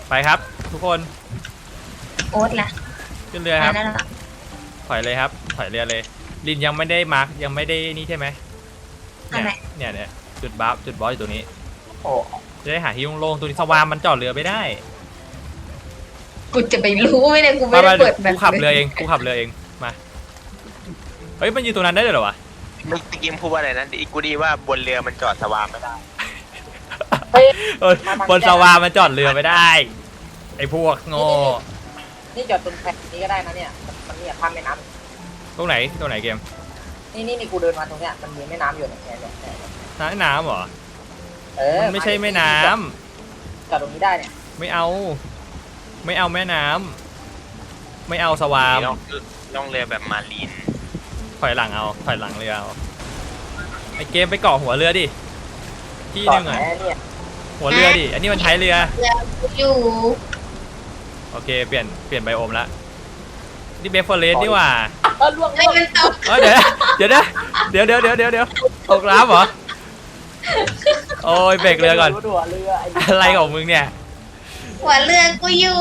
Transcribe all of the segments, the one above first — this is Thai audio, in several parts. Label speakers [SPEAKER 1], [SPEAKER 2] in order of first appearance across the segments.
[SPEAKER 1] ไปครับทุกคน
[SPEAKER 2] โอ๊ตล่ะ
[SPEAKER 1] ขึ้นเรือครับ
[SPEAKER 2] นั่นแหละ
[SPEAKER 1] ถอยเลยครับถอยเรือเลยลินยังไม่ได้มาร์กยังไม่ได้นี่ใช่ไหมเนี่ยจุดบอสอยู่ตรงนี้
[SPEAKER 3] โอ้
[SPEAKER 1] จะได้หาที่โล่งๆตัวนี้สวามมันจอดเรือไม่ได้
[SPEAKER 2] กูจะไปรู้ไหมเนี่ยกูไม่ได้เปิดแบบ
[SPEAKER 1] กูขับเรือเองมาเฮ้ยมันอยู่ตรงนั้นได้เลยเหรอวะ
[SPEAKER 4] เมื่อกี้พูดว่าอะไรนะกูดีว่าบนเรือมันจอดสวามไม่ได้
[SPEAKER 3] เฮ้ย
[SPEAKER 1] บนสวามันจอดเรือไม่ได้ไอ้พวกโง่
[SPEAKER 3] นี่จอดตรงแพนี้ก็ได้นะเนี่ยมันเนี่ยข้ามแม่น้
[SPEAKER 1] ตรงไหนเกม
[SPEAKER 3] ำนี่กูเดินมาตรงเนี้ยมันมีแม่น้ำอยู่เนี่ย
[SPEAKER 1] น้ำเหรอ มันไม่ใช่แม่น้ำ
[SPEAKER 3] จอดตรงนี้ได้เนี่ย
[SPEAKER 1] ไม่เอาแม่น้ำไม่เอาสวาม
[SPEAKER 4] ล่องเรือแบบมารีน
[SPEAKER 1] ถอยหลังเรือเอาไอเกมไปเกาะหัวเรือดิที่นึงอ่ะ
[SPEAKER 3] เนี่ย
[SPEAKER 1] หัวเรือดิอันนี้มันใช้เรือ
[SPEAKER 2] เรือกูอยู่
[SPEAKER 1] โอเคเปลี่ยนไบโอมละนี่เบฟเฟอร์เรสนี่หว่า
[SPEAKER 3] ล่วง
[SPEAKER 2] ไม่มันตก
[SPEAKER 1] เดี๋ยวตกน้ำเหรอโอ้ยเบรกเรือก่อน
[SPEAKER 3] หัวเรือ
[SPEAKER 1] อะไรของมึงเนี่ย
[SPEAKER 2] หัวเรือกูอยู่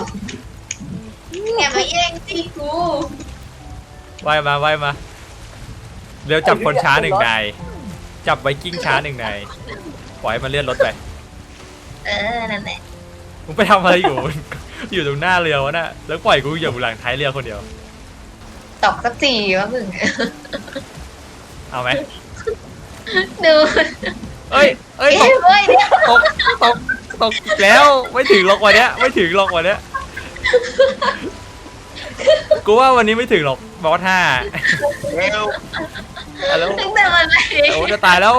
[SPEAKER 2] อย่ามาแย่งที่กู
[SPEAKER 1] ว่ายมาเร็วจับคนช้าหนึ่งนายจับไวกิ้งช้าหนึ่งนายปล่อยให้มันเลื่อนรถไป
[SPEAKER 2] นั่นแหละ
[SPEAKER 1] มึงไปทำอะไรอยู่ อยู่ตรงหน้าเรือวะน่ะแล้วปล่อยกูอยู่บนหลังท้ายเรือคนเดียว
[SPEAKER 2] ตกสักทีวะมึง
[SPEAKER 1] เอาไหม
[SPEAKER 2] ดู
[SPEAKER 1] เอ้ย
[SPEAKER 2] เฮ้ยเดี๋ยว
[SPEAKER 1] ตกอีกแล้วไม่ถึงหรอกวันเนี้ยกูว่าวันนี้ไม่ถึงหรอกบอส5
[SPEAKER 4] เร็ว
[SPEAKER 1] แล้ว
[SPEAKER 2] ตั้งแต่วันไหน
[SPEAKER 1] โอ้จะตายแล้ว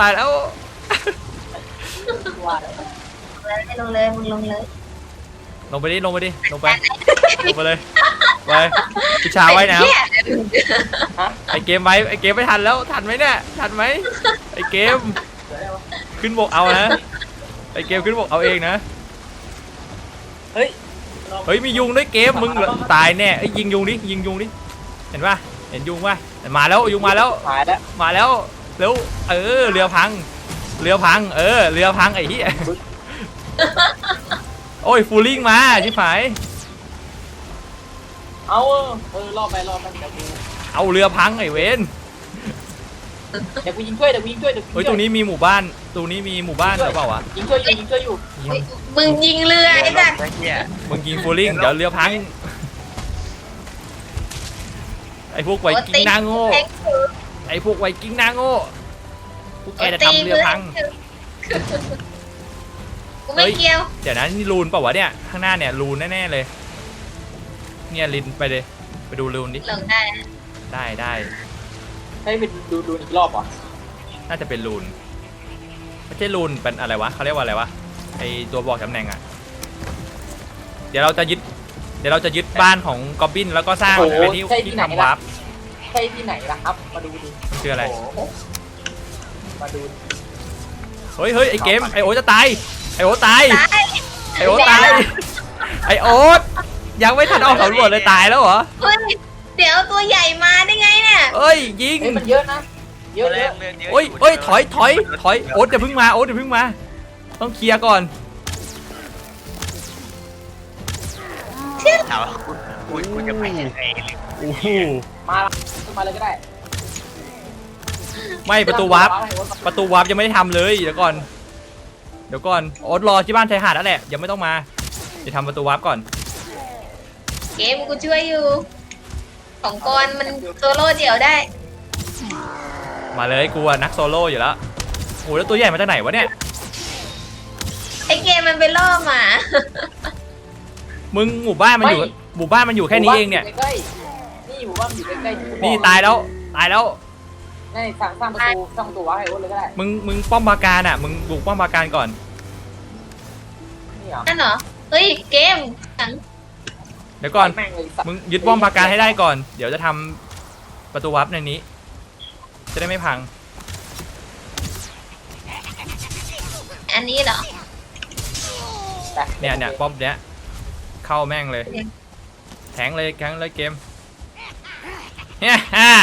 [SPEAKER 2] ลงเลยมึงลงเลย
[SPEAKER 1] ลงไปเลยไปพี่ชาไว้นะไอเกมไม่ทันแล้วทันไหมเนี่ยไอเกมขึ้นบกเอานะไอเกมขึ้นบกเอาเองนะเฮ้ยมียุงด้วยเกมมึงตายแน่ไอยิงยุงดิเห็นป่ะเห็นยุงป่ะมาแล้วยุงมาแล้วเร็วเรือพังเรือพังไอ้เหี้ยโอ้ยฟูลิ่งมาชิบหาย
[SPEAKER 3] เอารอไปเดี๋ยวกู
[SPEAKER 1] เอาเรือพังไอ้เวน
[SPEAKER 3] เดี๋ยวกูยิงช่วยเฮ้ย
[SPEAKER 1] ตรงนี้มีหมู่บ้านหรือเปล่าวะ
[SPEAKER 3] ยิงช่วยอยู่
[SPEAKER 2] มึงยิงเรือไอ้สัตว์
[SPEAKER 1] มึงยิงฟูลิ่งเดี๋ยวเรือพังไอ้พวกไวกิ้งหน้าโง่พวกแกจะทำเรือพัง
[SPEAKER 2] กูไม่เกี่ยว
[SPEAKER 1] เดี๋ยวนะนี่รูนเปล่าวะเนี่ยข้างหน้าเนี่ยรูนแน่ๆเลยเนี่ยลินไปเลยไปดูรูนดิ
[SPEAKER 2] ลงได้
[SPEAKER 1] ได้
[SPEAKER 3] ให้ไปดูอีกรอบเหรอ
[SPEAKER 1] น่าจะเป็นรูนไม่ใช่รูนเป็นอะไรวะเขาเรียกว่าอะไรวะไอตัวบอกตำแหน่งอ่ะเดี๋ยวเราจะยึดบ้านของกอบบินแล้วก็สร้างเป็นที่ทำวาร์ป
[SPEAKER 3] ใช่ที่ไหนล่ะครับมาดูดิ
[SPEAKER 1] คืออะไร
[SPEAKER 3] มาดู
[SPEAKER 1] เฮ้ยไอเกมไอโอจะตายไอโอตายไอโอยังไม่ทันออกสำรวจเลยตายแล้วเหรอ
[SPEAKER 2] เฮ้ยเดี๋ยวตัวใหญ่มาได้ไงเนี่ย
[SPEAKER 1] เอ้ยยิง
[SPEAKER 3] มันเยอะนะเยอะ
[SPEAKER 1] โอ้ยถอยโอ๊ตอย่าเพิ่งมาต้องเคลียร์ก่อน
[SPEAKER 4] ถามว่ากูจะไปยังไง
[SPEAKER 1] โอ้โห
[SPEAKER 3] มาเลยก็ได้
[SPEAKER 1] ไม่ประตูวาร์ปยังไม่ได้ทำเลยเดี๋ยวก่อนโอ๊ตรอที่บ้านชายหาดนั่นแหละยังไม่ต้องมาจะทำประตูวาร์ปก่อน
[SPEAKER 2] เกมกูช่วยอยู่ของกรมันโซโล่เดี่ยวได้
[SPEAKER 1] มาเลยกูนักโซโล่อยู่แล้วโอ้แล้วตัวใหญ่มาจากไหนวะเนี่ย
[SPEAKER 2] ไอเกมมันไปล่อหมา
[SPEAKER 1] มึงหมู่บ้านมันอยู่แค่นี้เองเนี่ย
[SPEAKER 3] นี่หมู่บ้านอยู่ใกล้ๆ
[SPEAKER 1] นี่ตายแล้ว
[SPEAKER 3] นี่สร้างประตูวางให้โอ๊ตเลยก็ได้
[SPEAKER 1] มึงป้อมปราการอ่ะมึงบุกป้อมปราการก่อน
[SPEAKER 3] นี่เหรอ
[SPEAKER 2] นั่นเหรอเฮ้ยเกม
[SPEAKER 1] เดี๋ยวก่อนมึงยึดป้อมปราการให้ได้ก่อนเดี๋ยวจะทำประตูวาร์ปในนี้จะได้ไม่พัง
[SPEAKER 2] อันนี้เหรอ
[SPEAKER 1] เนี่ยป้อมเนี้ยเข้าแม่งเลยแทงเลยเกมฮ่า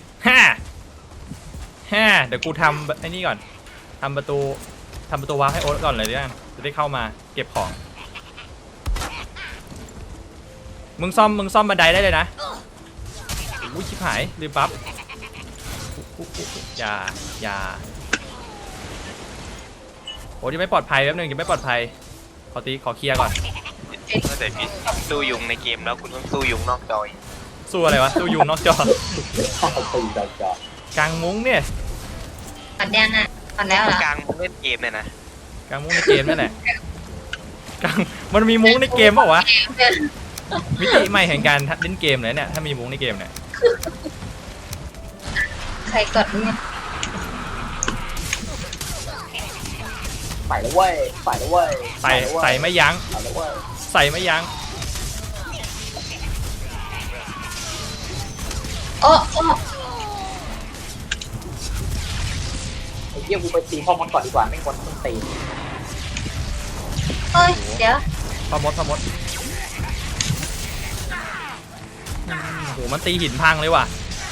[SPEAKER 1] เดี๋ยวกูทำไอ้นี่ก่อนทำประตูวาร์ปให้โอ๊ตก่อนเลยด้วยกันจะได้เข้ามาเก็บของมึงซ่อมบันไดได้เลยนะอุ้ยชิบหายลืมปั๊บอย่าโอ้ยยังไม่ปลอดภัยแป๊บนึงยังไม่ปลอดภัยขอเคลียร์ก่อน
[SPEAKER 4] แต่พี่สู้ยุงในเกมแล้วคุณต้องสู้ยุงนอกจอย
[SPEAKER 1] สู้อะไรวะสู้ยุงนอกจอ
[SPEAKER 3] ตีจอก
[SPEAKER 1] ลางมุ้งเนี่ย
[SPEAKER 2] ผ่อนยังอ่ะผ่อนแล้วเหรอก
[SPEAKER 4] ลางมึงเล่นเกมเนี่ยนะ
[SPEAKER 1] กลางมุ้งในเกมนั่นแหละกลางมันมีมุ้งในเกมเปล่าวะมิติใหม่แห่งการเล่นเกมเลยเนี่ยถ้ามีมุ้งในเกมเนี่ย
[SPEAKER 2] ใครกดเนี่ย
[SPEAKER 3] ใส่แล้วเว้ยใส่แล้วเว้ย
[SPEAKER 1] ใส่ไม่ยั้ง
[SPEAKER 3] ใส่แล้วเว้ย
[SPEAKER 1] ใส่ไม่ยั้ง
[SPEAKER 2] โอ้
[SPEAKER 3] ไอ้เหี้ยกูไปตีพ่อมดก่อนดีกว่าไม่ควรต้องตี
[SPEAKER 2] เฮ้ยเดี๋ยว
[SPEAKER 1] พอมดโหมันตีหินพังเลยว่ะ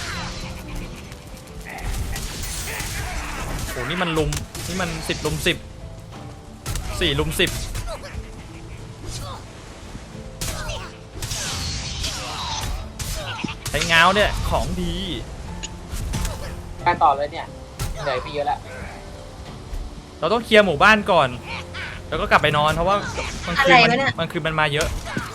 [SPEAKER 1] โหนี่มัน10 ลุม 10 4 ลุม 10ใช้ง้าวเนี่ยของดี
[SPEAKER 3] การต่อเลยเนี่ยเหนื่อยไปเยอะแล้ว
[SPEAKER 1] เราต้องเคลียร์หมู่บ้านก่อน แล้วก็กลับไปนอนเพราะว่ามันคือมันมาเยอะ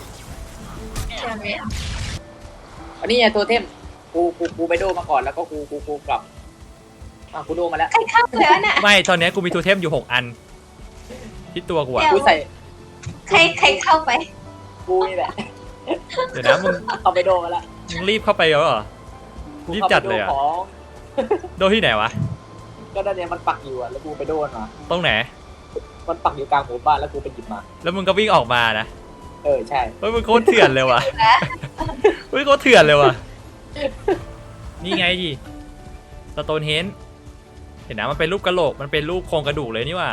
[SPEAKER 3] อันนี้ไงตัวเทมกูไปโดมาก่อนแล้วก็กูกลับกูโดมาแล้ว
[SPEAKER 2] ใครเข้าแล้วน่ะ
[SPEAKER 1] ไม่ตอนนี้กูมีทูเทมอยู่6 อันที่ตัวกูอะ
[SPEAKER 3] กูใส่
[SPEAKER 2] ใครเข้าไป
[SPEAKER 3] กูนี่แหละ
[SPEAKER 1] เดี๋ยวนะมึง
[SPEAKER 3] เอาไปโดมาแล้ว
[SPEAKER 1] รีบเข้าไปเหรอรีบจัดเลยอะ
[SPEAKER 3] ของ
[SPEAKER 1] โดนที่ไหนวะ
[SPEAKER 3] ก็นั่นเนี่ยมันปักอยู่อ่ะแล้วกูไปโดนมา
[SPEAKER 1] ตรงไหน
[SPEAKER 3] มันปักอยู่กลางหมู่บ้านแล้วกูไปหยิบมา
[SPEAKER 1] แล้วมึงก็วิ่งออกมานะ
[SPEAKER 3] ใช่
[SPEAKER 1] เฮ้ยมึงโคตรเถื่อนเลยว่ะเฮ้ยโคตรเถื่อนเลยว่ะนี่ไงดิสโตนเฮนจ์เห็นนะมันเป็นรูปกระโหลกมันเป็นรูปโครงกระดูกเลยนี่ว่ะ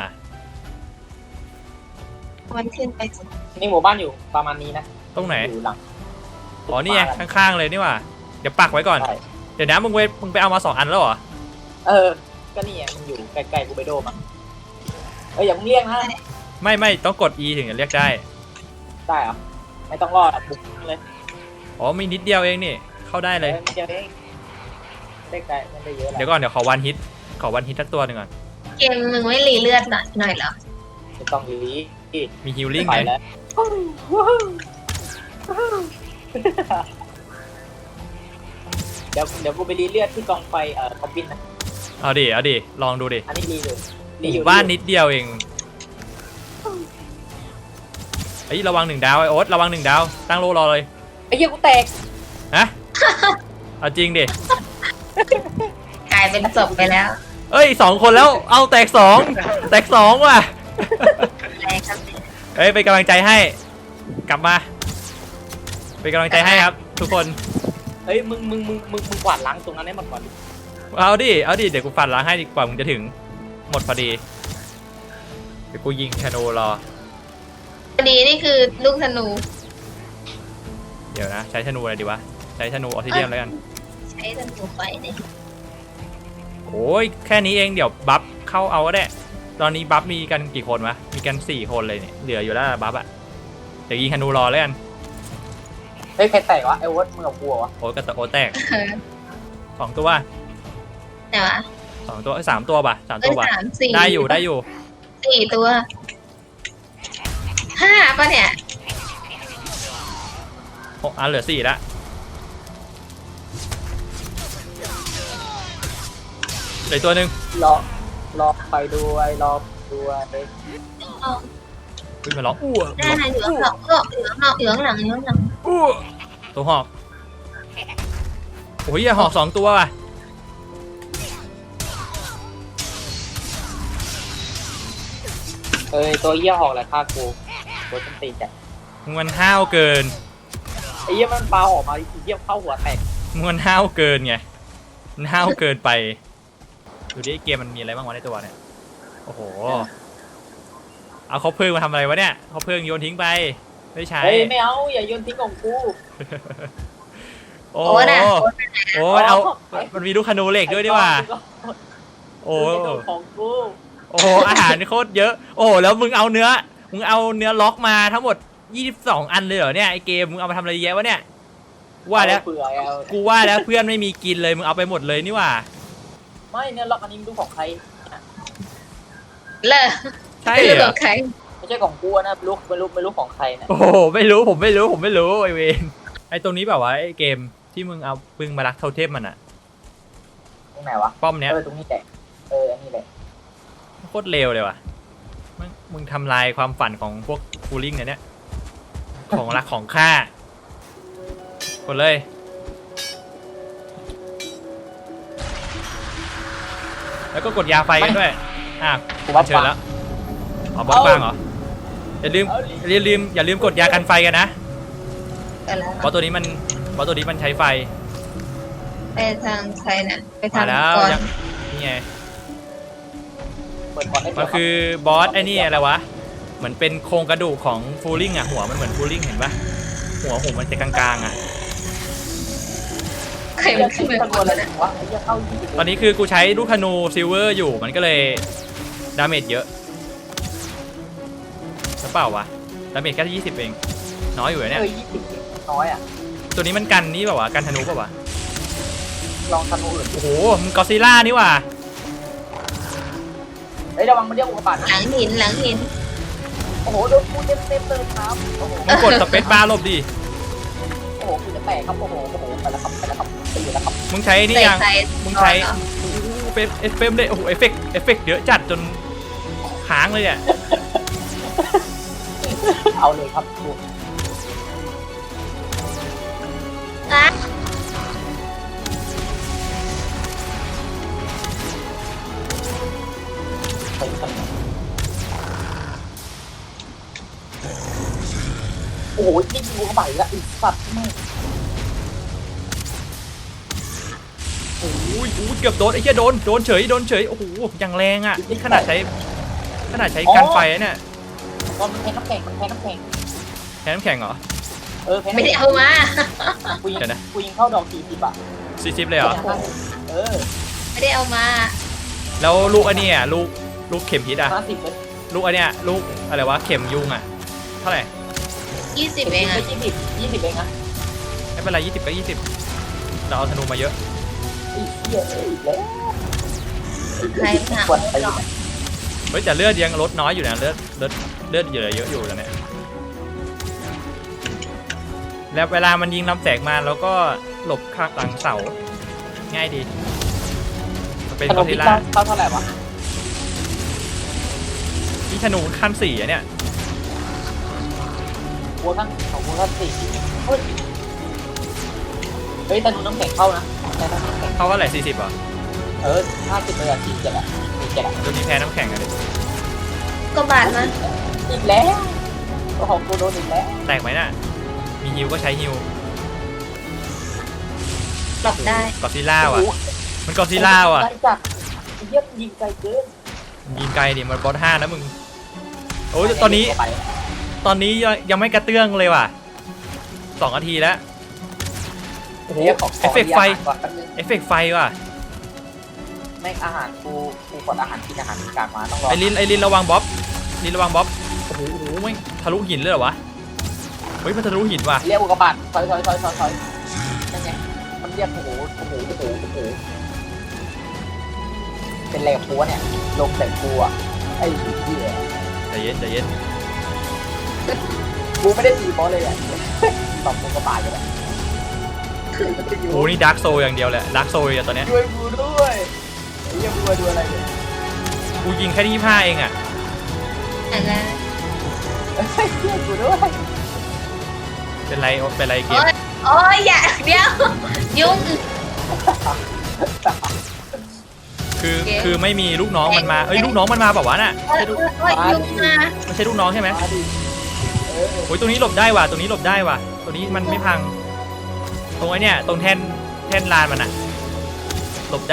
[SPEAKER 2] มันขึ้นไปสิ
[SPEAKER 3] นี่หมู่บ้านอยู่ประมาณนี้นะ
[SPEAKER 1] ตรงไหน
[SPEAKER 3] อยู่หลัง
[SPEAKER 1] อ๋อนี่ไงข้างๆเลยนี่ว่ะเดี๋ยวปักไว้ก่อน
[SPEAKER 3] ใช่
[SPEAKER 1] เดี๋ยวนะมึงไปเอามา2 อันแล้วเหรอ
[SPEAKER 3] ก็นี่ไงมันอยู่ใกล้ๆกูไปโดมาอย่ามึงเรียกนะ
[SPEAKER 1] ไม่ต้องกด E ถึงจะเรียกได้
[SPEAKER 3] ได้เหรอไม่ต้องรอดบุกเลย
[SPEAKER 1] อ๋อมีนิดเดียวเองนี่เข้าได้เลย
[SPEAKER 3] มันจะได้ไกลมันได้เยอะแล้ว
[SPEAKER 1] เดี๋ยวก่อนเดี๋ยวขอวันฮิตสักตัวหนึ่งก่อน
[SPEAKER 2] เกมมึงไม่รีเลือดหน่อยเหรอ
[SPEAKER 3] ไม่ต้องรี
[SPEAKER 1] มีฮิลลิ่ง
[SPEAKER 3] ไป
[SPEAKER 1] ไหม
[SPEAKER 3] แล้วเดี๋ยวกูไปรีเลือดที่กองไฟคอมบินนะ
[SPEAKER 1] เอาดิลองดูดิ
[SPEAKER 3] อันนี้รีเลย
[SPEAKER 1] หมู่บ้านนิดเดียวเองไอ้ยระวัง1 ดาวไอ้โอ๊ตระวัง1 ดาวตั้งโลรอเลย
[SPEAKER 3] ไอ้เหี้ยกูแตก
[SPEAKER 1] ฮะเอาจริงดิ
[SPEAKER 2] กลายเป็นศพไปแล้ว
[SPEAKER 1] เอ้ย2 คนแล้วเอาแตก2ว่ะ
[SPEAKER 2] แรงครับ
[SPEAKER 1] เอ้ยเป็นกำลังใจให้กลับมาเป็นกำลังใจให้ครับ ทุกคน
[SPEAKER 3] เฮ้ยมึงกวาดล้างตรงนั้นให้หมดก่อนดิ
[SPEAKER 1] เอาดิเดี๋ยวกูฟันล้างให้ดีกว่ามึงจะถึงหมดพอดีเดี๋ยวกูยิงธนูรอ
[SPEAKER 2] พอดีนี่คือลูกธนู
[SPEAKER 1] เดี๋ยวนะใช้ธนูอะไรดีวะใช้ธนูออทิเดียมแล้วกัน
[SPEAKER 2] ใช้ธนูไฟเนี่ย
[SPEAKER 1] โอ้ยแค่นี้เองเดี๋ยวบัฟเข้าเอาก็ได้ตอนนี้บัฟมีกันกี่คนวะมีกัน4 คนเลยเนี่ยเหลืออยู่แล้วบัฟอะเดี๋ยวยิงธนูรอแล้วกัน
[SPEAKER 3] เฮ้ยใครแตกวะไอ้วอตมึงกับกูวะ
[SPEAKER 1] โอ้ยกระตะโอ้แตก2 ตัว
[SPEAKER 2] แต่ว่า
[SPEAKER 1] 2 ตัว3 ตัวป่ะ3 ตัวป่ะ
[SPEAKER 2] 3 4
[SPEAKER 1] ได้อยู่
[SPEAKER 2] 4 ตัว5ป่ะเนี่ย
[SPEAKER 1] อันเหลือ4ละเหลือตัวหนึ่ง
[SPEAKER 3] รอไปด้วยรอด้วย
[SPEAKER 1] ขึ้นมาร้องอ้ว
[SPEAKER 2] หน้าเหลืองหลังเหลืองหลัง
[SPEAKER 1] อ้วตัวหอกโอ้ยอย่าหอก2 ตัวว่ะ
[SPEAKER 3] ตัวเหี้ยหอกแหละฆ่ากูตัวต้นตีนจ้ะ
[SPEAKER 1] มึงมันห้าวเกิน
[SPEAKER 3] ไอ้เหี้ยมันปาออกมาไอ้เหี้ยเข้าหัวแตก
[SPEAKER 1] มึงมันห้าวเกินไงมันห้าวเกินไปดูดิเกมมันมีอะไรบ้างวะในตัวเนี่ยโอ้โหเอาเขาเพิ่งมาทำอะไรวะเนี่ยเขาเพิ่งโยนทิ้งไปไม่ใช้
[SPEAKER 3] เฮ้ยไม่เอาอย่าโยนทิ้งของกู
[SPEAKER 1] โอ้โหเอามันมีลูกคานูเหล็กด้วยดีว่าโอ้
[SPEAKER 3] ของกู
[SPEAKER 1] โอ้โหอาหารโคตรเยอะโอ้โหแล้วมึงเอาเนื้อล็อกมาทั้งหมด 22 อันเลยเหรอเนี่ยไอเกมมึงเอามาทำอะไรเยอะวะเนี่ยว่าแล้ว
[SPEAKER 3] เผื่อเอา
[SPEAKER 1] กูว่าแล้วเพื่อนไม่มีกินเลยมึงเอาไปหมดเลยนี่หว่า
[SPEAKER 3] ไม่เนี่ยล็อกอันนี้ไม่รู้ของใคร
[SPEAKER 2] เลิก
[SPEAKER 1] ใช่
[SPEAKER 2] ไม่
[SPEAKER 1] เห
[SPEAKER 2] รู้
[SPEAKER 1] ร
[SPEAKER 2] กั
[SPEAKER 3] Ờ.
[SPEAKER 1] อบ
[SPEAKER 2] ใคร
[SPEAKER 3] ไม่ใช่ของกูนะไม่รู้ของใครนะ
[SPEAKER 1] โอ้โหไม่รู้ผมไม่รู้ไอเวนไอตรงนี้แบบว่าไอเกมที่มึงเอาปึงมารักเทาเทพมันอะ
[SPEAKER 3] ตรงไหนวะ
[SPEAKER 1] ป้อมเนี้ย
[SPEAKER 3] ตรงนี้แหละอันนี้แหละ
[SPEAKER 1] โคตรเลวเลยว่ะมึงทำลายความฝันของพวกฟูลิ่งเนี่ยของรักของข้ากดเลยแล้วก็กดยาไฟกันด้วย
[SPEAKER 3] กูว่า
[SPEAKER 1] เชิญแล้วอ๋อบอสบ้างเหรออย่าลืมกดยากันไฟกันนะ
[SPEAKER 2] กันแล้ว
[SPEAKER 1] บอสตัวนี้มันใช้ไฟ
[SPEAKER 2] ไปทางใครน่ะไปทา
[SPEAKER 1] มาง แล้ว
[SPEAKER 2] ก่อน
[SPEAKER 1] ยังนี่ไง
[SPEAKER 3] เปิดก่อนได้
[SPEAKER 1] มันคือบอสไอ้นี่อะไรวะเหมือนเป็นโครงกระดูกของฟูลิ่งอ่ะหัวมันเหมือนฟูลิ่งเห็นปะหัวมันจะกลางๆอ่ะ
[SPEAKER 2] ใครมันขึ้นไป
[SPEAKER 3] ตะ
[SPEAKER 2] บ
[SPEAKER 3] โกน
[SPEAKER 2] น
[SPEAKER 3] อะไร
[SPEAKER 2] น่ะ
[SPEAKER 3] วะไอ้เหี้ยเข้า20
[SPEAKER 1] ตอนนี้คือกูใช้ลูกธนูซิลเวอร์อยู่มันก็เลยดาเมจเยอะหรือเปล่าวะดาเมจแค่20เองน้อยอยู่นะเนี่ย
[SPEAKER 3] 20น้อยอ่ะ
[SPEAKER 1] ตัวนี้มันกันนี่เปล่าวะกันธนูเปล่าวะ
[SPEAKER 3] ลองธนูอื่น
[SPEAKER 1] โอ้โหมันกอซิล่านี่ว่ะ
[SPEAKER 3] เฮ้ยระวังมันเรียกอุกกาบาต
[SPEAKER 2] ห
[SPEAKER 3] นะ
[SPEAKER 2] ลังหินหลังหิน
[SPEAKER 3] โอ้โหโดนกูเต็มเลยครับโอ้โห
[SPEAKER 1] มึงกดสเปซบาร์หลบดิ
[SPEAKER 3] โอ้โหกูจะแตกครับโอ้โหไปแล้วครับตีแล้วครับ
[SPEAKER 1] มึงใช้นี่
[SPEAKER 2] ใส่
[SPEAKER 1] ยัง
[SPEAKER 2] ใส่
[SPEAKER 1] มึงใช้
[SPEAKER 2] ก่อนเหรอ
[SPEAKER 1] โอ้โหเอฟเฟกต์เลยโอ้โหเอฟเฟกต์เยอะจัดจนค้างเลยเนี่ย
[SPEAKER 3] เอาเลยครับกู
[SPEAKER 2] อ่ะ
[SPEAKER 3] ไปกันโอ้โหนี่กูเข้าไปแล้วอีสัตว์ไม่
[SPEAKER 1] โอ้ยเกือบโดนไอ้เหี้ยโดนเฉยโอ้โหอย่างแรงอ่ะนี่ขนาดใช้กันไฟนะเนี่ย
[SPEAKER 3] ตอนมันแพ้น้ำแข็งมันแพ้น้ำแข็ง
[SPEAKER 1] แค่น้ำแข็งเหรอ
[SPEAKER 3] แพ้
[SPEAKER 2] ไม่ได้เอามา
[SPEAKER 3] กูยิง
[SPEAKER 1] เดี๋ยวนะ
[SPEAKER 3] กูยิงเข้าดอก40อ่ะ
[SPEAKER 1] 40เลยเหรอ
[SPEAKER 2] ไม่ได้เอามา
[SPEAKER 1] แล้วลูกอันนี้อ่ะลูกเข็มพิษอ่ะ
[SPEAKER 3] 50เลย
[SPEAKER 1] ลูกอันเนี้ยลูกอะไรวะเข็มยุงอ่ะเท่าไหร่
[SPEAKER 2] 20เองอ่ะ
[SPEAKER 3] 20เองนะ
[SPEAKER 1] ไม่เป็นไร20ก็20เราเอาธนูมาเยอะ
[SPEAKER 3] อีเหี้ยอีกแล้ว
[SPEAKER 2] ใครหา
[SPEAKER 3] ปวดตี
[SPEAKER 1] เฮ้ยแต่เลือดยังลดน้อยอยู่นะเลือดเยอะอยู่แล้วเนี่ยแล้วเวลามันยิงลำแสงมาแล้วก็หลบข้างหลังเสาง่ายดีมันเป็น
[SPEAKER 3] ข
[SPEAKER 1] ก
[SPEAKER 3] น
[SPEAKER 1] อ
[SPEAKER 3] ม
[SPEAKER 1] ซิ
[SPEAKER 3] พิซ
[SPEAKER 1] ล่า
[SPEAKER 3] ซ่าเท่าไหร่วะ
[SPEAKER 1] ที่ธนูขั้น4อ่ะเนี่ย
[SPEAKER 3] กูทั้งของกูทั้ง4เฮ้ยแต่นูน้ำแข็งเข้านะแต่น้ำแข็ง
[SPEAKER 1] เขาว่าอะไร40เหรอ
[SPEAKER 3] 50เลยอ่ะ47อ่ะ47อ่ะ
[SPEAKER 1] ตัวนี้แพ้น้ำแข็งอะดิ
[SPEAKER 2] ก็บาดมา
[SPEAKER 3] อีกแล้วตัวของกูโดนอีกแล้ว
[SPEAKER 1] แตกไหมน่ะมีฮิวก็ใช้ฮิว
[SPEAKER 2] หลบได้
[SPEAKER 1] กอซิล่าว่ะมันกอซิล่าว่ะ
[SPEAKER 3] ไกลจัดเยี่ยมยิงไกลเกิน
[SPEAKER 1] ยิงไกลดิมันบอส5นะมึงโอ้ยตอนนี้ยังไม่กระเตื้องเลยว่ะ2 นาทีแล้วโอ้โหเอฟเฟกต์ไฟว่ะ
[SPEAKER 3] ไม่อาหารกูกดอาหารกินอาหารมีการมาต้องรอ
[SPEAKER 1] ไอรินระวังบ๊อบโอ้โหไม่ทะลุหินเลยเหรอวะเฮ้ยมันทะลุหินว่ะ
[SPEAKER 3] เรียกอุกกาบาตถอยนั่นไงมันเรียกโอ้โหเป็นอะไรกับกูเนี่ยลงใส่กูอ่ะไอ้เหี้ย
[SPEAKER 1] ใจเย็น
[SPEAKER 3] กูไม่ได้ตีบอสเลยอ่ะตอบอุกกาบาตอยู่แหละ
[SPEAKER 1] โอ้นี่ดาร์กโซอย่างเดียวแหละดาร์กโซอย่างตอนเนี้ย
[SPEAKER 3] ช่วยกูด้วยไอ้เหี้ยกูมาดูอะไรเนี่ย
[SPEAKER 1] กูยิงแค่ที่25เองอ่ะ
[SPEAKER 2] อะไร
[SPEAKER 3] ช่วยกูด้วย
[SPEAKER 1] เป็นไรเกม
[SPEAKER 2] โอ้ยอย่าเดี๋ยวยุ่ง
[SPEAKER 1] คือไม่มีลูกน้องมันมาเอ้ยลูกน้องมันมาเปล่าวะน่ะ
[SPEAKER 2] โอ้ยยุ่งมา
[SPEAKER 1] ไม่ใช่ลูกน้องใช่ไหม
[SPEAKER 3] มาดิเออ
[SPEAKER 1] โอ้ยตรงนี้หลบได้ว่ะตรงนี้มันไม่พังตรงไอ้เนี่ยตรงแท่นลานมันอะหลบได้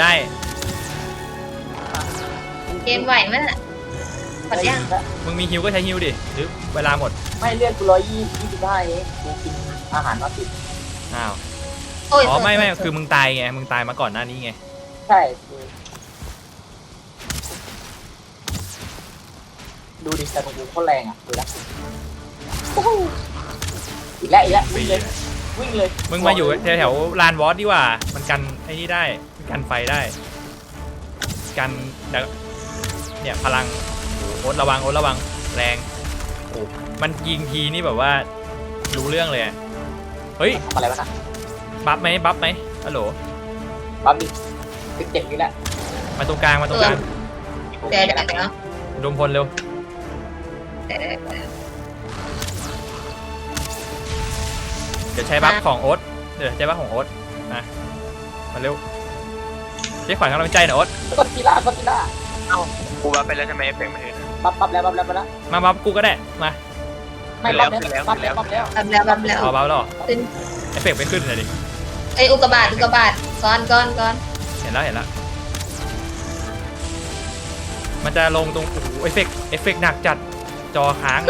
[SPEAKER 2] เกมไหวไหมล่ะหมดยัง
[SPEAKER 1] มึงมีฮิวก็ใช้ฮิวดิหรือเวลาหมด
[SPEAKER 3] ไม่เลือดกู125เองกูกินอาหารมา10
[SPEAKER 1] อ้าว
[SPEAKER 2] โอ้ย
[SPEAKER 1] อ๋อไม่คือมึงตายไงมึงตายมาก่อนหน้านี้ไง
[SPEAKER 3] ใช่ดูดิแต่กูโคตรแรงอ่ะดูละอีกแล้ววิ่งเลยวิ่งเลย
[SPEAKER 1] มึงมาอยู่แถวๆลานวอสดีกว่ามันกันไอ้นี่ได้กันไฟได้กันเนี่ยพลังโอ๊ตระวังแรงโอ้มันยิงทีนี่แบบว่ารู้เรื่องเลยเฮ้ย
[SPEAKER 3] อะไรวะนะ
[SPEAKER 1] บัฟไหมฮัลโหล
[SPEAKER 3] ปั๊มดิเจ็บอยู่แล้ว
[SPEAKER 1] มาตรงกลาง
[SPEAKER 2] เดี๋ยว
[SPEAKER 1] อุดมพลเร็วเดี๋ยวใช้บัฟของโอ๊ตนะมาเร็วเรียกขวัญกำลังใจหน่อยโอ๊ต
[SPEAKER 3] กดกีฬา
[SPEAKER 4] เอ้ากูว่าไปแล้วทำไมเอฟเฟกต์ไม่เห็นอะ
[SPEAKER 3] ปั๊บแล้ว
[SPEAKER 1] มาบัฟกูก็ได้มา
[SPEAKER 3] ไม่ปั๊บแล้ว
[SPEAKER 2] บับแล้ว
[SPEAKER 1] บัฟแล้วเหรอ
[SPEAKER 2] ขึ้น
[SPEAKER 1] เอฟเฟกต์ไม่ขึ้นเลยดิ
[SPEAKER 2] ไออุกกาบาตก้อน
[SPEAKER 1] เห็นแล้วมันจะลงตรงโอ้โหเอฟเฟกต์หนักจัดจอค้างเลย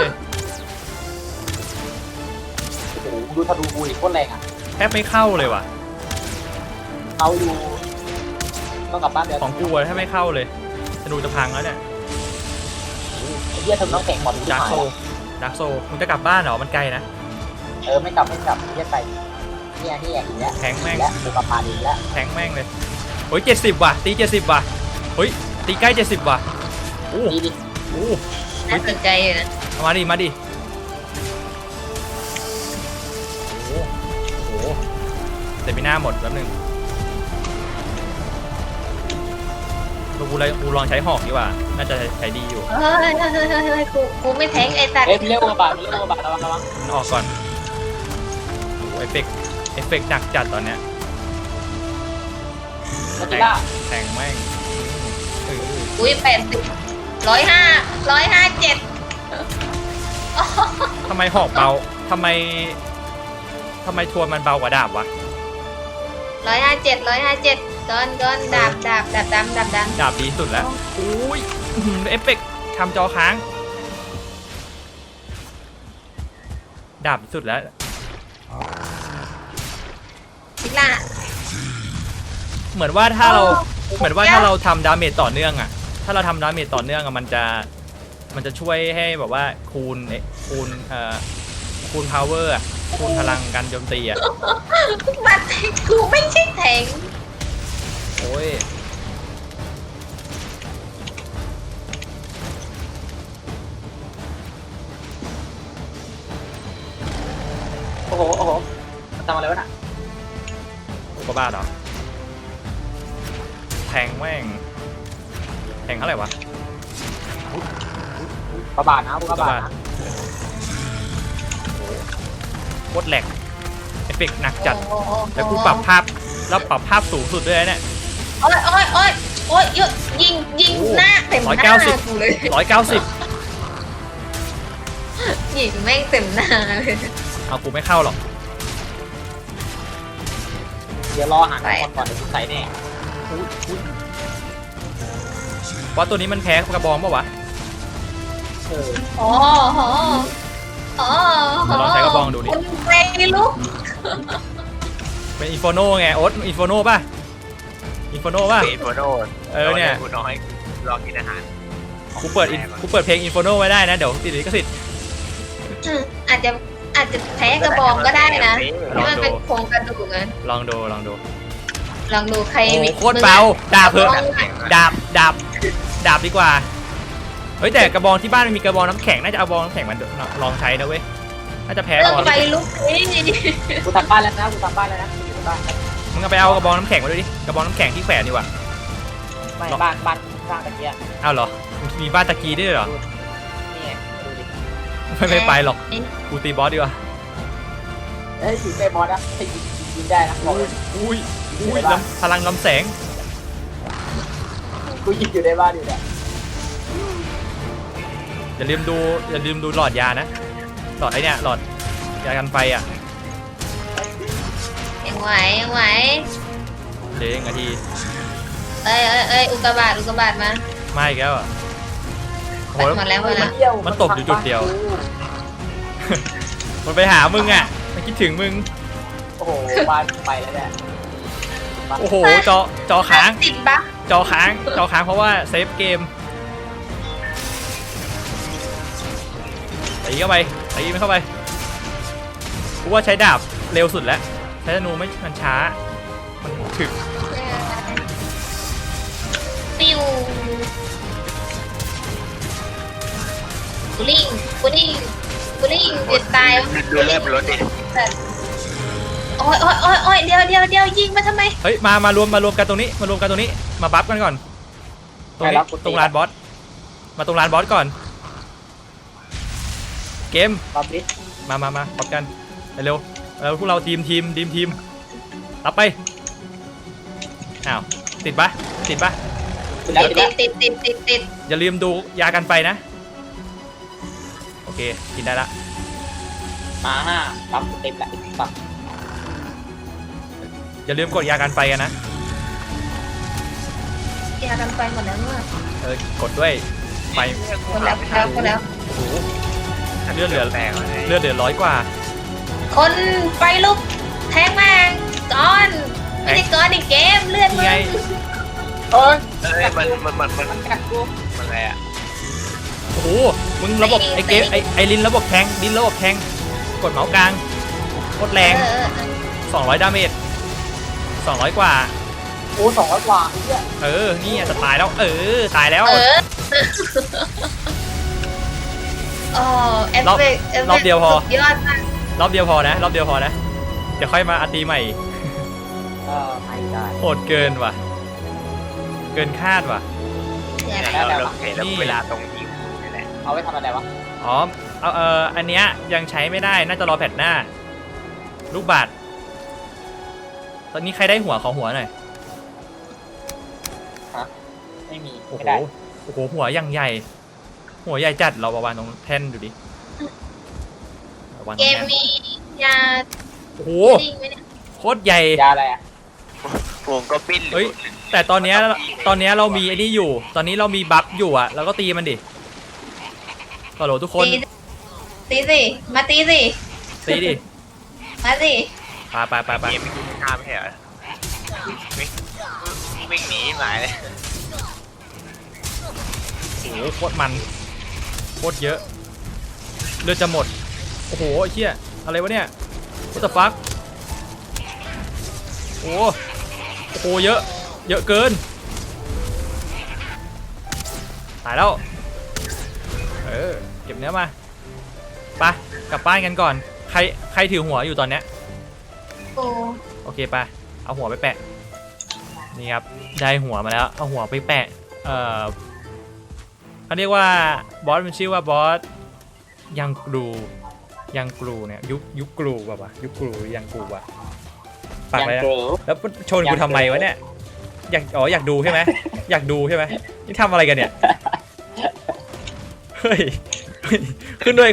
[SPEAKER 3] โอ้โหดูทะลุบุยโคตรแรงอ่ะ
[SPEAKER 1] แทบไม่เข้าเลยว่ะ
[SPEAKER 3] เขาอยู่ต้องกลับบ้านเดี๋ยว
[SPEAKER 1] ของกูอะแทบไม่เข้าเลยจะดูจะพังแล้วเนี่ย
[SPEAKER 3] ไอ้เหี้ยทำน้องแข่งก่อน
[SPEAKER 1] ดาร์กโซมึงจะกลับบ้านเหรอมันไกลนะ
[SPEAKER 3] ไม่กลับเหี้ยไปเนี่ยอีกแล้ว
[SPEAKER 1] แทงแม่ง
[SPEAKER 3] แล้วดูกลับมาดีแล้ว
[SPEAKER 1] แทงแม่งเลยโอ้ย70ว่ะตี70ว่ะเฮ้ยตีใกล้70ว่ะโอ้
[SPEAKER 3] ดีดิ
[SPEAKER 1] โห
[SPEAKER 2] น่าสนใจอยู่นะ
[SPEAKER 1] เอามาดิโอ้โหแต่ไม่น่าหมดแป๊บนึงกูลองใช้หอกดีกว่าน่าจะใช้ดีอยู่
[SPEAKER 2] เฮ้ยกูไม่แทงไอ้สัตว์
[SPEAKER 3] เร็วกว่าบาทระวัง
[SPEAKER 1] มันออกก่อนโอ้โหเอฟเฟกต์หนักจัดตอนเนี้ย
[SPEAKER 3] กดกีฬา
[SPEAKER 1] แทงแม่งเออ
[SPEAKER 2] อุ้ย80 107
[SPEAKER 1] ทำไมหอกเบาทำไมทวนมันเบากว่าดาบวะ
[SPEAKER 2] 157ก้อนดาบดำ
[SPEAKER 1] ดาบดีสุดแล้วอุ้ยเอฟเฟกต์ทำจอค้างดาบสุดแล้ว
[SPEAKER 2] พิล่า
[SPEAKER 1] เหมือนว่าถ้าเราทำดาเมจต่อเนื่องอ่ะถ้าเราทำดาเมจต่อเนื่องอ่ะมันจะช่วยให้แบบว่าคูณพาวเวอร์คูณพลังการโจมตีอ่ะ
[SPEAKER 2] บัตรกูไม่ใช่แทง
[SPEAKER 1] โอ้ย
[SPEAKER 3] โอ้โหทำอะไรวะน่ะ
[SPEAKER 1] ก็บ้าเหรอแทงแม่งแทงเท่าไหร่วะ
[SPEAKER 3] กระบาดนะกระบาดนะ
[SPEAKER 1] โคตรแหลกเอฟเฟกต์หนักจัดแล้วกูปรับภาพสูงสุดด้วยนะเนี่ย
[SPEAKER 2] โอ้ยเยอะยิงหน้าเต็มหน้ากูเลย
[SPEAKER 1] 190
[SPEAKER 2] ยิงแม่งเต็มหน้าเลย
[SPEAKER 1] เอากูไม่เข้าหรอก
[SPEAKER 3] เดี๋ยวรอหาคนก่อนเดี๋ยวใส่แน่
[SPEAKER 1] ว่าตัวนี้มันแพ้กระบองป่าวะ
[SPEAKER 2] อ๋อ
[SPEAKER 1] ลองใช้กระบองดูดิ
[SPEAKER 2] คุณไม่ลุก
[SPEAKER 1] เป็นอินโฟโนไงโอ๊ตอินโฟโนป่ะอินโฟโนป่ะ
[SPEAKER 4] อินโฟโน
[SPEAKER 1] เนี่ย
[SPEAKER 4] กูน้อยรอกินอาหาร
[SPEAKER 1] กูเปิดเพลงอินโฟโนไว้ได้นะเดี๋ยวติดลิขสิทธิ์
[SPEAKER 2] อาจจะแพ้กระบองก็ได้นะที่มันเป็นโครงกระดูกนะ
[SPEAKER 1] ลองดู
[SPEAKER 2] ลองดูใคร
[SPEAKER 1] โอ้โคตรเบาดาบเพอดาบดีกว่าเฮ้ยแต่กระบองที่บ้านมันมีกระบองน้ำแข็งน่าจะเอากระบองน้ำแข็งมันลองใช้นะเว้ยน่าจะแพ้กระบอง
[SPEAKER 2] ไปลุกนี่
[SPEAKER 3] กูทำบ้านแล้วนะอยู่บ้าน
[SPEAKER 1] มึงเอาไปเอากระบองน้ำแข็งมาด้วยดิกระบองน้ำแข็งที่แขวนดีกว่า
[SPEAKER 3] ไม่บ้านสร้างตะเกียบ
[SPEAKER 1] เอาเหรอมีบ้านตะกี้ด้วยเหรอ
[SPEAKER 3] นี่ไงดูดิ
[SPEAKER 1] ไม่ไปหรอกกูตีบอสดีกว่า
[SPEAKER 3] ถึงเบมอสนะยิงได้นะบอกเลย
[SPEAKER 1] อุ้ยพลังลำแสง
[SPEAKER 3] กูยิงอยู่ในบ้านอยู่เนี่ย
[SPEAKER 1] อย่าลืมดูหลอดยานะหลอดไอเนี่ยหลอดยากันไฟอ่ะ
[SPEAKER 2] ยังไหว
[SPEAKER 1] เดี๋ยวนาที
[SPEAKER 2] เอ้ยอุกกาบาตมา
[SPEAKER 1] ไม่อีกแล้วอ่ะโห
[SPEAKER 2] มาแล้ว
[SPEAKER 1] มันตบอยู่จุดเดียว มันไปหามึงอ่ะมันคิดถึงมึง
[SPEAKER 3] โอ้โหบ้านไปแล้วเนี่ย
[SPEAKER 1] โอ้โหจอค้าง
[SPEAKER 2] ติดบั๊ก
[SPEAKER 1] จอค้างเพราะว่าเซฟเกมตีเข้าไปตีมันเข้าไปกูว่าใช้ดาบเร็วสุดแล้วใช้ธนูไม่มันช้ามันถึก
[SPEAKER 2] ปิวกูลิงกูลิงกูลิงเด็ดตาย
[SPEAKER 4] ดูเลือดรถดิ
[SPEAKER 2] โอ้ยโอ้ยโอ้ยโอ้ยเดี๋ยวยิงมาทำไม
[SPEAKER 1] เฮ้ยมารวมกันตรงนี้มารวมกันตรงนี้มาบัฟกันก่อนตรงนี้ตรงลานบอสมาตรงลานบอสก่อนเกม
[SPEAKER 3] ปั๊บดิ
[SPEAKER 1] มาบัฟกันเร็วพวกเราทีมรับไปอ้าวติดปะ
[SPEAKER 3] ติดแล้วติดแล้ว
[SPEAKER 2] ติด
[SPEAKER 1] อย่าลืมดูยากันไฟนะโอเคกินได้ละ
[SPEAKER 3] มาปั๊บเต็มแล้วปั๊บ
[SPEAKER 1] อย่าลืมกดยากันไฟกันนะ
[SPEAKER 2] ยากันไฟหมดแล้วเมื่อก
[SPEAKER 1] ดด้วยไฟ
[SPEAKER 2] หมดแล้ว
[SPEAKER 1] โอ้โหเลือดเหลือ
[SPEAKER 4] แตกเลย
[SPEAKER 1] เลือดเหลือ100 กว่า
[SPEAKER 2] คนไฟลุกแทงแมงก้อนไม่ได้ก้อนในเกมเลือดมึ
[SPEAKER 1] นี่ไง
[SPEAKER 2] ง
[SPEAKER 3] เอ้ย
[SPEAKER 4] เอ้ยมัน
[SPEAKER 3] กัดกู
[SPEAKER 4] อะไรอ่ะ
[SPEAKER 1] โอ้โหมึงระบบไอเกมไอลินระบบแทงกดเมาส์กลางกดแรง200 ดาเมจ200 กว่า
[SPEAKER 3] โอ้200 กว่าเนี่ย
[SPEAKER 1] นี่จะตายแล้วตายแล้ว
[SPEAKER 2] อ๋อเอฟเฟกต์
[SPEAKER 1] รอบเดียวพอ
[SPEAKER 2] สุยอดมาก
[SPEAKER 1] รอบเดียวพอนะเดี๋ยวค่อยมาอาตีใหม่
[SPEAKER 3] ไม่ได้
[SPEAKER 1] โหดเกินว่ะเกินคาดว่ะ
[SPEAKER 2] เนี่ย
[SPEAKER 4] เราเห็นแล้วเวลาตรงยิงนี่แหละ
[SPEAKER 3] เอาไว้ทำอะไรวะ
[SPEAKER 1] อ๋ออันเนี้ยยังใช้ไม่ได้น่าจะรอแพทหน้าลูกบาศก์ตอนนี้ใครได้หัวของหัวหน่อย
[SPEAKER 3] ไม่มี
[SPEAKER 1] โอ้
[SPEAKER 3] ไม่
[SPEAKER 1] โห
[SPEAKER 3] ได้
[SPEAKER 1] หัวยังใหญ่หัวใหญ่จัดเราประมาณตรงแท่นดูดิวางตร
[SPEAKER 2] เก
[SPEAKER 1] ง
[SPEAKER 2] ม
[SPEAKER 1] แท่น
[SPEAKER 2] มียา
[SPEAKER 1] โอ้โห
[SPEAKER 2] จริงไหมเนี่ย
[SPEAKER 1] โคตรใหญ่
[SPEAKER 3] ยาอะไรอ่ะ
[SPEAKER 4] วงก็ปิ้น
[SPEAKER 1] เฮ้ย แต่ตอนเนี้ยเรามีไอ้นี่อยู่ ตอนนี้เรามีบัฟอยู่อะเราก็ตีมันดิฮัลโหลทุกคน
[SPEAKER 2] ตีสิมาตีสิ
[SPEAKER 1] ตีดิ
[SPEAKER 2] มาสิ
[SPEAKER 1] ไป
[SPEAKER 4] เกมไม่กินข้าวไม่ใช่เหรอวิ่งหนีหมายเลย
[SPEAKER 1] โอ้โหโคตรมันโคตรเยอะเลือดจะหมดโอ้โหไอ้เหี้ยอะไรวะเนี่ย what the fuck โอ้โหเยอะเกินตายแล้วเก็บเนื้อมาไปกลับบ้านกันก่อนใครถือหัวอยู่ตอนเนี้ย
[SPEAKER 2] โอ้
[SPEAKER 1] โอเคไปเอาหัวไปแปะนี่ครับได้หัวมาแล้วเอาหัวไปแปะเขาเรียกว่าบอสมันชื่อว่าบอสยังกรูเนี่ยยุคกรูแบบว่ายุคกรูยังกรูว่ะปาก
[SPEAKER 3] ยัง
[SPEAKER 1] อะไรนะ
[SPEAKER 3] เกลือ
[SPEAKER 1] แล้วชนกูทำไมวะเนี่ยอยากดูใช่ไหมอยากดูใช่ไหมนี่ทำอะไรกันเนี่ยเฮ้ยขึ้นด้วย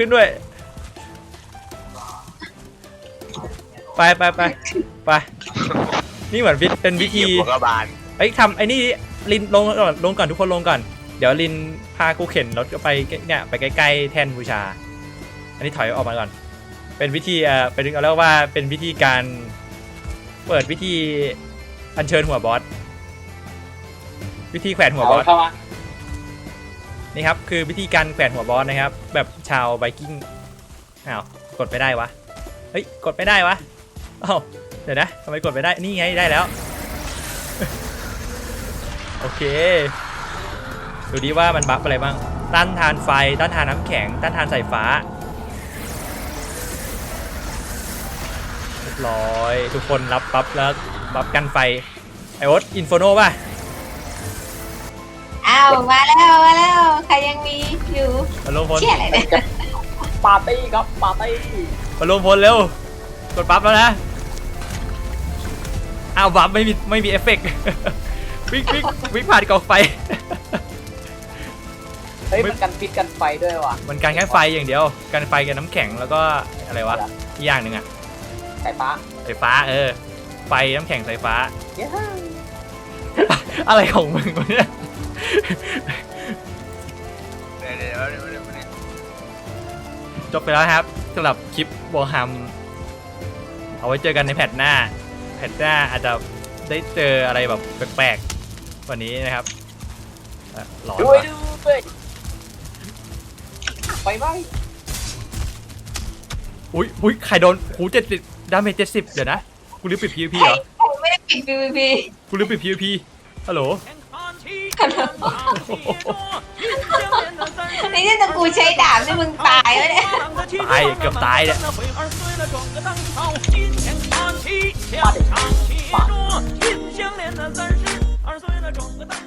[SPEAKER 1] ไปนี่เหมือนเป็นวิธี
[SPEAKER 4] หัวกระบาล
[SPEAKER 1] ทำไอ้นี่ลินลงก่อนทุกคนลงก่อนเดี๋ยวลินพากูเข็นรถไปเนี่ยไปใกล้ๆแท่นบูชาอันนี้ถอยออกมาก่อนเป็นวิธีเป็นเอาเรียกว่าเป็นวิธีการเปิดวิธีอัญเชิญหัวบอสวิธีแขวนหัวบอส
[SPEAKER 3] เข้ามา
[SPEAKER 1] นี่ครับคือวิธีการแขวนหัวบอสนะครับแบบชาวไวกิ้งอ้าวกดไม่ได้วะเฮ้ยกดไม่ได้วะอ้าวเดี๋ยวนะทำไมกดไม่ได้นี่ไงได้แล้ว โอเคดูดิว่ามันบัฟอะไรบ้างต้านทานไฟต้านทานน้ำแข็งต้านทานสายฟ้าเรียบร้อยทุกคนรับบัฟแล้วบัฟกันไฟไอโอ๊ตอินโฟโนป่ะ
[SPEAKER 2] อ้าวมาแล้วใครยังมีอยู่
[SPEAKER 1] มาลงพล
[SPEAKER 2] เชี่ยอะไรเนี่ย
[SPEAKER 3] ปาร์ตี้ครับปาร์ตี้
[SPEAKER 1] มาลงพลเร็วกดบัฟแล้วนะอ้าวบัฟไม่มีเอฟเฟกต์ วิ่งผ่านกองไฟ
[SPEAKER 3] เฮ้ยมันกันพิษกันไฟด้วยว่ะ
[SPEAKER 1] มันการแค่ไฟอย่างเดียวกันไฟกับน้ำแข็งแล้วก็อะไรวะอีกอย่างหนึ่งอะ
[SPEAKER 3] สายฟ้า
[SPEAKER 1] ไฟฟ้าไฟน้ำแข็งสายฟ้า
[SPEAKER 3] เย้
[SPEAKER 1] อะไรของมึงวะเนี่ย
[SPEAKER 4] เดี๋ยว
[SPEAKER 1] จบไปแล้วครับสำหรับคลิปวอร์ฮัมเอาไว้เจอกันในแพทหน้าอาจจะได้เจออะไรแบบแปลกๆกว่านี้นะครับร้อน
[SPEAKER 3] ด้วย
[SPEAKER 1] ว่ะ
[SPEAKER 3] ไปไหม
[SPEAKER 1] กอุ้ยใครโดนหู70ดาเมจ70เดี๋ยวนะกูลืมปิด PVP เหรอ
[SPEAKER 2] ผมไม่ได้ปิด PVP
[SPEAKER 1] กูลืมปิด PVP ฮัลโหล
[SPEAKER 2] นี่ถ้ากูใช้ดาบนี่มึงตายแล้วเนี่ย
[SPEAKER 1] ตายเกือบตายเนี่ย
[SPEAKER 3] มาดิ